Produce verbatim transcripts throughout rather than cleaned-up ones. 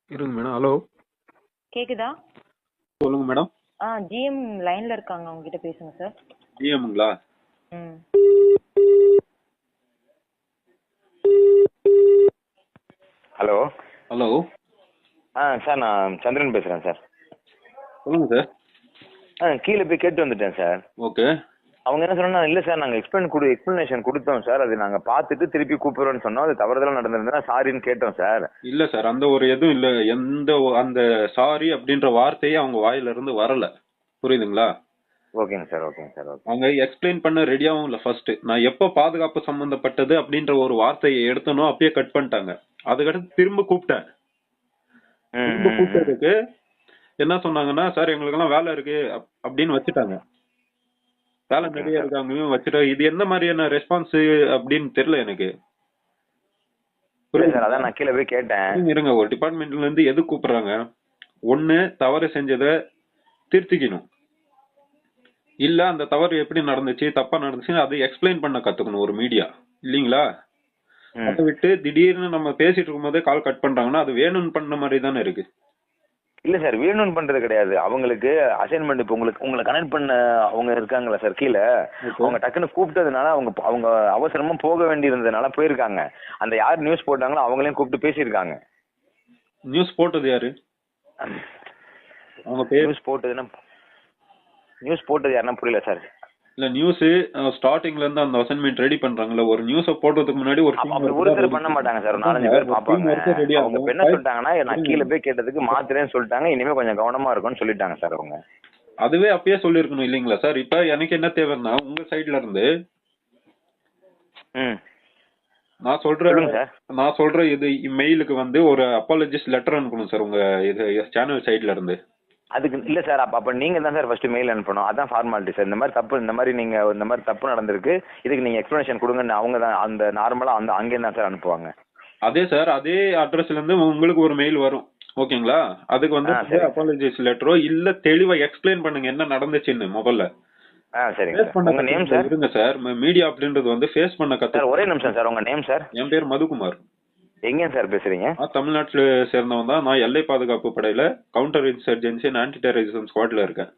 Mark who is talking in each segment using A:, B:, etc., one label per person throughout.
A: இருங்க madam. Hello,
B: கேக்குதா?
A: சொல்லுங்க மேடம்.
B: ஆ ஜிஎம் லைன்ல இருக்காங்க, அவங்க கிட்ட பேசுங்க சார்.
A: ஜிஎம்ங்களா?
B: ம்.
C: ஹலோ.
A: ஹலோ.
C: ஆ சார், நான் சந்திரன் பேசுகிறேன் சார்.
A: சொல்லுங்க சார்.
C: ஆ கீழே போய் கேட்டு வந்துட்டேன் சார்.
A: ஓகே.
C: அவங்க என்ன சொன்னா, இல்லை சார் நாங்கள் எக்ஸ்பிளைன் கொடு எக்ஸ்பிளனேஷன் கொடுத்தோம் சார், அது நாங்கள் பார்த்துட்டு திருப்பி கூப்பிடுறோன்னு சொன்னோம், அது தவறுதலாக நடந்திருந்தா சாரின்னு கேட்டோம் சார்.
A: இல்ல சார், அந்த ஒரு எதுவும் இல்ல. எந்த ஒ- அந்த சாரி அப்படின்ற வார்த்தையே அவங்க வாயில இருந்து வரல. புரியுதுங்களா?
C: ஓகேங்க சார், ஓகேங்க சார், ஓகே.
A: அவங்க எக்ஸ்பிளைன் பண்ண ரெடியாவும் இல்ல. ஃபர்ஸ்ட் நான் எப்ப பாதுகாப்பு சம்பந்தப்பட்டது அப்படின்ற ஒரு வார்த்தையை எடுத்தனோ அப்பயே கட் பண்ணிட்டாங்க. அதுக்கடுத்து திரும்ப கூப்பிட்டேன்.
C: ம்,
A: திரும்ப
C: ம், ம்.
A: கூப்பிட்டதுக்கு என்ன சொன்னாங்கன்னா, சார் எங்களுக்கெல்லாம் வேலை இருக்கு அப்- அப்படின்னு வச்சுட்டாங்க. வேலை
C: ஓகேங்க
A: நிறைய
C: சார்.
A: இருக்கு அங்கேயும் வச்சுட்டு, இது என்ன மாதிரியான ரெஸ்பான்ஸ் அப்படின்னு தெரியல எனக்கு.
C: இல்லை சார், அதான் நான் கீழே போய் கேட்டேன்.
A: இருங்க, இருங்க. ஒரு டிபார்ட்மெண்ட்ல இருந்து எது கூப்பிடுறாங்க? ஒண்ணு தவறு செஞ்சதை திருத்திக்கணும், இல்ல அந்த தவறு எப்படி நடந்துச்சு, தப்பா நடந்துச்சு அதை எக்ஸ்பிளைன் பண்ண கத்துக்கணும் ஒரு மீடியா, இல்லீங்களா?
C: ம்.
A: அதை விட்டு திடீர்னு நம்ம பேசிட்டு இருக்கும் போதே கால் கட் பண்றாங்கன்னா அது வேணும்னு பண்ண மாதிரி தானே இருக்கு.
C: இல்லை சார், வேணும்னு பண்ணுறது கிடையாது. அவங்களுக்கு அசைன்மெண்ட் இப்போ உங்களுக்கு உங்களை கனெக்ட் பண்ண அவங்க இருக்காங்களா சார் கீழே, அவங்க டக்குன்னு கூப்பிட்டதுனால அவங்க அவங்க அவசரமா போக வேண்டியிருந்ததுனால போயிருக்காங்க. அந்த யார் நியூஸ் போட்டாங்களோ அவங்களையும் கூப்பிட்டு பேசியிருக்காங்க.
A: நியூஸ் போட்டது யாரு? அவங்க பேர்
C: நியூஸ் போட்டதுன்னா நியூஸ் போட்டது யாருன்னா புரியல சார்.
A: இல்ல, நியூஸ் ஸ்டார்டிங்ல இருந்து அந்த அசைன்மெண்ட் ரெடி பண்றாங்கல்ல, ஒரு நியூஸ போடுறதுக்கு முன்னாடி ஒரு
C: அப்ப அப்படி ஒருத்தர் பண்ண மாட்டாங்க சார், ஒரு நாலஞ்சு பேர் பாப்பாங்க. அவங்க இப்ப என்ன சொல்லிட்டாங்கன்னா, நான் கீழே போய் கேட்டதுக்கு மாத்திரேன்னு சொல்லிட்டாங்க, இனிமே கொஞ்சம் கவனமா இருக்கும்னு சொல்லிட்டாங்க சார் அவங்க.
A: அதுவே அப்பயே சொல்லிருக்கணும் இல்லீங்களா சார்? இப்ப எனக்கு என்ன தேவைன்னா, உங்க சைடுல இருந்து
C: ம்
A: நான் சொல்ற
C: சொல்லுங்க சார்.
A: நான் சொல்ற இது மெயிலுக்கு வந்து ஒரு அப்பாலஜிஸ்ட் லெட்டர் அனுப்பணும் சார், உங்க இது சேனல் சைடுல இருந்து.
C: அதுக்கு இல்ல சார், அப்ப அப்ப நீங்க தான் சார் ஃபர்ஸ்ட் மெயில் அனுப்பணும். அதான் ஃபார்மாலிட்டி சார். இந்த மாதிரி தப்பு இந்த மாதிரி நீங்க இந்த மாதிரி தப்பு நடந்திருக்கு, இதுக்கு நீங்க எக்ஸ்பிளனேஷன் கொடுங்கன்னு அவங்க தான் அந்த நார்மலா அந்த அங்கே தான் சார் அனுப்புவாங்க.
A: அதே சார், அதே அட்ரஸ்ல இருந்து உங்களுக்கு ஒரு மெயில் வரும், ஓகேங்களா? அதுக்கு வந்து
C: ஆ, சரி.
A: அப்பாலஜிஸ் லெட்டரோ இல்ல தெளிவா எக்ஸ்பிளைன் பண்ணுங்க என்ன நடந்துச்சுன்னு முதல்ல.
C: ஆ சரிங்க
A: ஃபேஸ்
C: சார்.
A: பண்ண
C: உங்க நேம்
A: கத்துக்கணும்.
C: சார்?
A: இருங்க சார், மீடியா அப்படின்றது வந்து ஃபேஸ் பண்ண
C: சார்
A: கத்து.
C: ஒரே நிமிஷம் சார், உங்க நேம் சார்?
A: என் பேர் மதுகுமார்.
C: எங்க சார் பேசுறீங்க?
A: நான் தமிழ்நாட்டுல சேர்ந்தவன் தான். நான் எல்லை பாதுகாப்பு படையில counter insurgency and anti terrorism ஸ்குவாட்ல இருக்கேன்.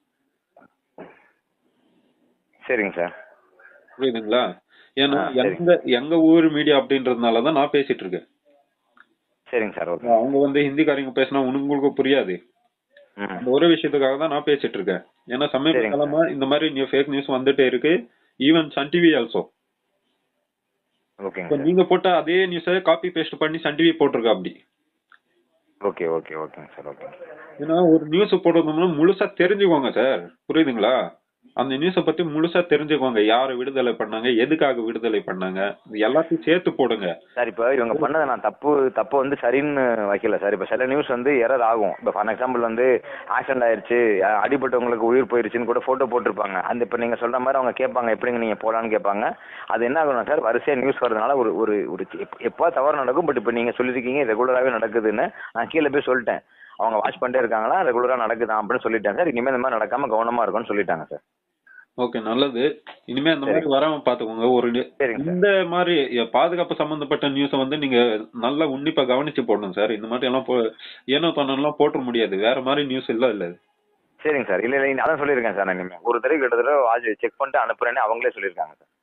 C: சரிங்க சார்.
A: புரியுதுங்களா? ஏன்னா
C: ஆ, சரி.
A: எங்க எங்க ஊர் மீடியா அப்படின்றதுனால தான் நான் பேசிட்டு இருக்கேன்.
C: சரிங்க சார், ஓகே.
A: அவங்க வந்து ஹிந்திக்காரங்க பேசினா உங்களுக்கு புரியாது.
C: ம்
A: அந்த ஒரு விஷயத்துக்காக தான் நான் பேசிட்டு இருக்கேன். ஏன்னா சமீப
C: சரிங்க
A: காலமா இந்த மாதிரி நியூ ஃபேக் நியூஸ் வந்துட்டே இருக்கு. Even Sun TV also.
C: ஓகேங்க
A: இப்போ
C: சார்.
A: நீங்க போட்ட அதே நியூஸை காப்பி பேஸ்ட் பண்ணி சன் டிவி போட்டிருக்கா அப்படி.
C: ஓகே ஓகே ஓகேங்க சார், ஓகே.
A: ஏன்னா ஒரு நியூஸ் போடுறதுனா முழுசா தெரிஞ்சுக்கோங்க சார், புரியுதுங்களா? அந்த நியூஸை பத்தி முழுசா தெரிஞ்சுக்கோங்க. யாரை விடுதலை பண்ணாங்க, எதுக்காக விடுதலை பண்ணாங்க, இது எல்லாத்தையும் சேர்த்து போடுங்க.
C: சார் இப்போ இவங்க பண்ணதை நான் தப்பு தப்பு வந்து சரின்னு வைக்கல சார். இப்போ சில நியூஸ் வந்து எரர் ஆகும். இப்போ ஃபார் எக்ஸாம்பிள் வந்து ஆக்சிடென்ட் ஆயிடுச்சு, அஹ் அடிபட்டவங்களுக்கு உயிர் போயிருச்சுன்னு கூட ஃபோட்டோ போட்டிருப்பாங்க. அந்த இப்போ நீங்கள் சொல்கிற மாதிரி அவங்க கேட்பாங்க, எப்படிங்க நீங்கள் போகலான்னு கேட்பாங்க. அது என்ன ஆகணும் சார், வரிசையாக நியூஸ் வரதுனால ஒரு ஒரு ஒரு எப்போ தவறு நடக்கும். பட் இப்போ நீங்கள் சொல்லியிருக்கீங்க ரெகுலராகவே நடக்குதுன்னு, நான் கீழே போய் சொல்லிட்டேன். அவங்க வாட்ச் பண்ணிட்டே இருக்காங்களா, ரெகுலராக நடக்குதான் அப்படின்னு சொல்லிட்டேன் சார். இனிமேல் இந்த மாதிரி நடக்காமல் கவனமாக இருக்கும்னு சொல்லிட்டாங்க சார்.
A: ஓகே, நல்லது. இனிமே அந்த மாதிரி வராம பாத்துக்கோங்க. ஒரு நி-
C: சரிங்க சார்.
A: இந்த மாதிரி பாதுகாப்பு சம்பந்தப்பட்ட நியூஸை வந்து நீங்க நல்லா உன்னிப்பா கவனிச்சு போடணும் சார். இந்த மாதிரி எல்லாம் போ ஏனோ தானோலாம் போட்டுற முடியாது. வேற மாதிரி நியூஸ் இல்ல இல்ல இது.
C: சரிங்க சார். இல்லை இல்லை அதான் சொல்லியிருக்கேன் சார். நான் இனிமேல் ஒரு தடவை கிட்டத்தட்ட வாட்ச் செக் பண்ணிட்டு அனுப்புறேன்னு அவங்களே சொல்லியிருக்காங்க சார்.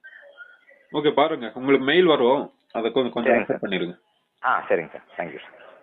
A: ஓகே, பாருங்க உங்களுக்கு மெயில் வரும், அதை கொஞ்சம் கொஞ்சம்
C: சரிங்க
A: accept
C: சார்.
A: பண்ணிருங்க.
C: ஆ சரிங்க சார், தேங்க்யூ சார்.